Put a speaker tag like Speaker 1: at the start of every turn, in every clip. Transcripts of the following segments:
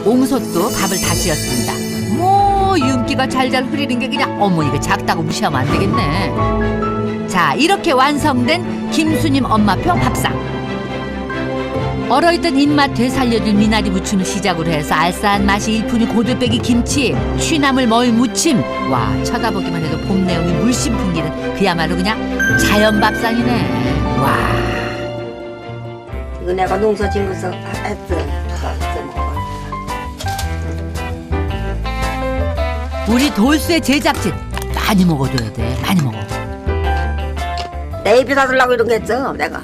Speaker 1: 옹솥도 밥을 다 지었습니다. 뭐 윤기가 잘잘 흐리는 게 그냥 어머 이거 작다고 무시하면 안 되겠네. 자, 이렇게 완성된 김수님 엄마표 밥상. 얼어있던 입맛 되살려줄 미나리 무침을 시작으로 해서 알싸한 맛이 일품이 고들빼기 김치, 취나물 머위 무침. 와, 쳐다보기만 해도 봄 내음이 물씬 풍기는 그야말로 그냥 자연 밥상이네. 와.
Speaker 2: 이거 내가 농사 짓면서 했어.
Speaker 1: 우리 돌쇠 제작진 많이 먹어줘야 돼. 많이 먹어.
Speaker 2: 내 입에 다 들라고 이런 거 했죠, 내가.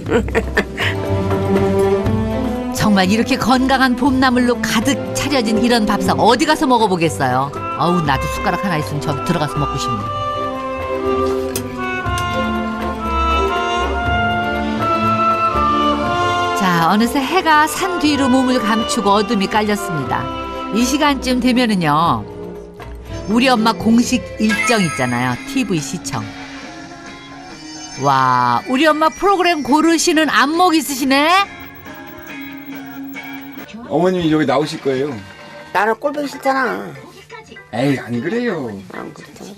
Speaker 1: 정말 이렇게 건강한 봄나물로 가득 차려진 이런 밥상 어디 가서 먹어보겠어요. 어우, 나도 숟가락 하나 있으면 저기 들어가서 먹고 싶네. 자, 어느새 해가 산 뒤로 몸을 감추고 어둠이 깔렸습니다. 이 시간쯤 되면은요, 우리 엄마 공식 일정 있잖아요. TV 시청. 와, 우리 엄마 프로그램 고르시는 안목 있으시네?
Speaker 3: 어머님이 여기 나오실 거예요.
Speaker 2: 나는 꼴보기 싫잖아.
Speaker 3: 에이, 안 그래요.
Speaker 2: 안 그렇잖아.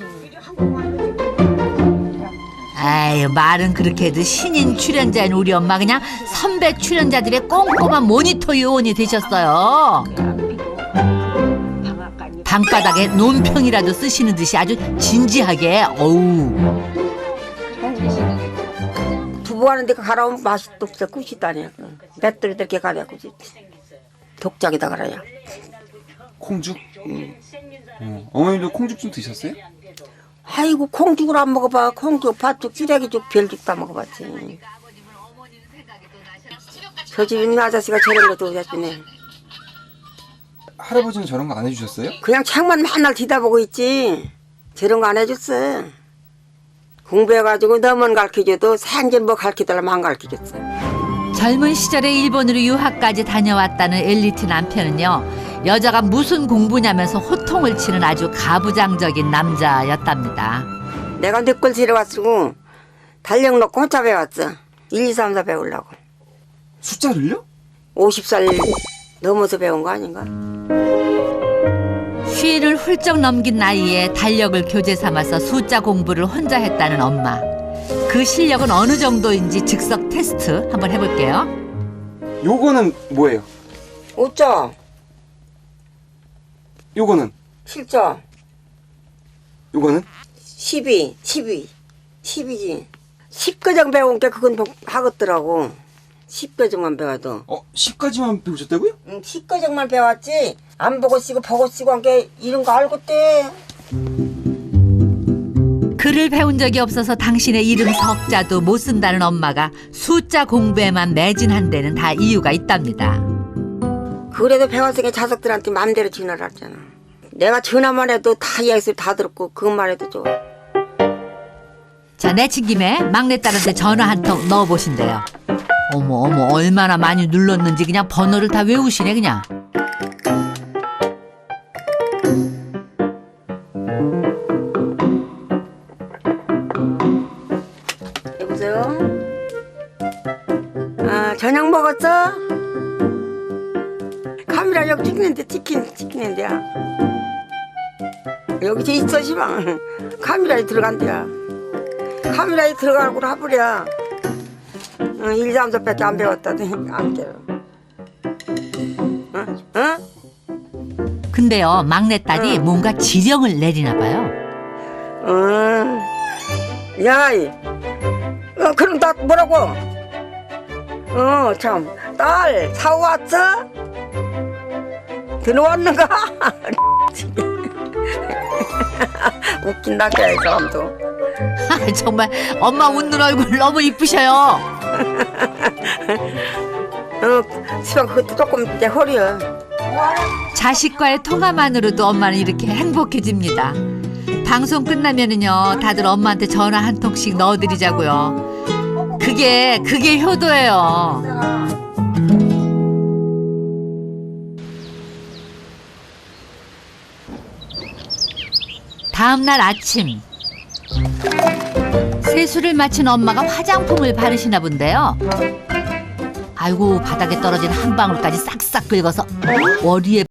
Speaker 1: 아유, 말은 그렇게 해도 신인 출연자인 우리 엄마 그냥 선배 출연자들의 꼼꼼한 모니터 요원이 되셨어요. 방바닥에 논평이라도 쓰시는 듯이 아주 진지하게. 어우.
Speaker 2: 두부 하는데 가라오면 맛이 없어. 굿이다냐. 맷돌이 이렇게 가냐, 굿이. 독작에다 가라야.
Speaker 3: 콩죽? 어머님도 콩죽 좀 드셨어요?
Speaker 2: 아이고, 콩죽을 안 먹어봐. 콩죽, 팥죽, 찌개기죽, 별죽 다 먹어봤지. 저 집 있는 아저씨가 저런 것도 해주네.
Speaker 3: 할아버지는 저런 거 안 해주셨어요?
Speaker 2: 그냥 책만 맨날 뒤다보고 있지. 저런 거 안 해줬어. 공부해가지고 너만 가르쳐줘도 생전 뭐 가르쳐달라면 안 가르쳐줬어.
Speaker 1: 젊은 시절에 일본으로 유학까지 다녀왔다는 엘리트 남편은요, 여자가 무슨 공부냐면서 호통을 치는 아주 가부장적인 남자였답니다.
Speaker 2: 내가 늦걸 데려왔고 달력 놓고 혼자 배웠어. 1, 2, 3, 4 배우려고.
Speaker 3: 숫자를요?
Speaker 2: 50살 넘어서 배운 거 아닌가?
Speaker 1: 쉰을 훌쩍 넘긴 나이에 달력을 교재 삼아서 숫자 공부를 혼자 했다는 엄마. 그 실력은 어느 정도인지 즉석 테스트 한번 해볼게요.
Speaker 3: 요거는 뭐예요?
Speaker 2: 5점,
Speaker 3: 요거는?
Speaker 2: 7점,
Speaker 3: 요거는?
Speaker 2: 12지. 10과정 배운 게 그건 하겠더라고. 10과정만 배워도.
Speaker 3: 10까지만 배우셨다고요?
Speaker 2: 10과정만 배웠지. 안 보고 쓰고 보고 쓰고 한 게 이런 거 알고 때.
Speaker 1: 글을 배운 적이 없어서 당신의 이름 석자도 못 쓴다는 엄마가 숫자 공부에만 매진한 데는 다 이유가 있답니다.
Speaker 2: 그래도 배웠으니까 자석들한테 마음대로 전화를 하잖아. 내가 전화만 해도 다 이야기 다 들었고 그것만 해도 좋아.
Speaker 1: 자, 내친 김에 막내딸한테 전화 한 통 넣어보신대요. 어머, 얼마나 많이 눌렀는지 그냥 번호를 다 외우시네 그냥.
Speaker 2: 여보세요? 저녁 먹었어? 카메라 여기 찍히는데야. 여기 저 있어 시방. 카메라에 들어간대야. 카메라에 들어가고 하버려. 1, 3, 4밖에 안 배웠다더니 안 깨요. 어?
Speaker 1: 근데요, 막내딸이 뭔가 지령을 내리나 봐요.
Speaker 2: 야, 그럼 나 뭐라고? 참, 딸 사왔어? 들어왔는가? 웃긴다, 이 사람도.
Speaker 1: 정말 엄마 웃는 얼굴 너무 이쁘셔요.
Speaker 2: 시방 그것도 조금 내 허리야.
Speaker 1: 자식과의 통화만으로도 엄마는 이렇게 행복해집니다. 방송 끝나면은요, 다들 엄마한테 전화 한 통씩 넣어드리자고요. 그게 효도예요. 다음 날 아침, 세수를 마친 엄마가 화장품을 바르시나 본데요. 아이고, 바닥에 떨어진 한 방울까지 싹싹 긁어서 머리에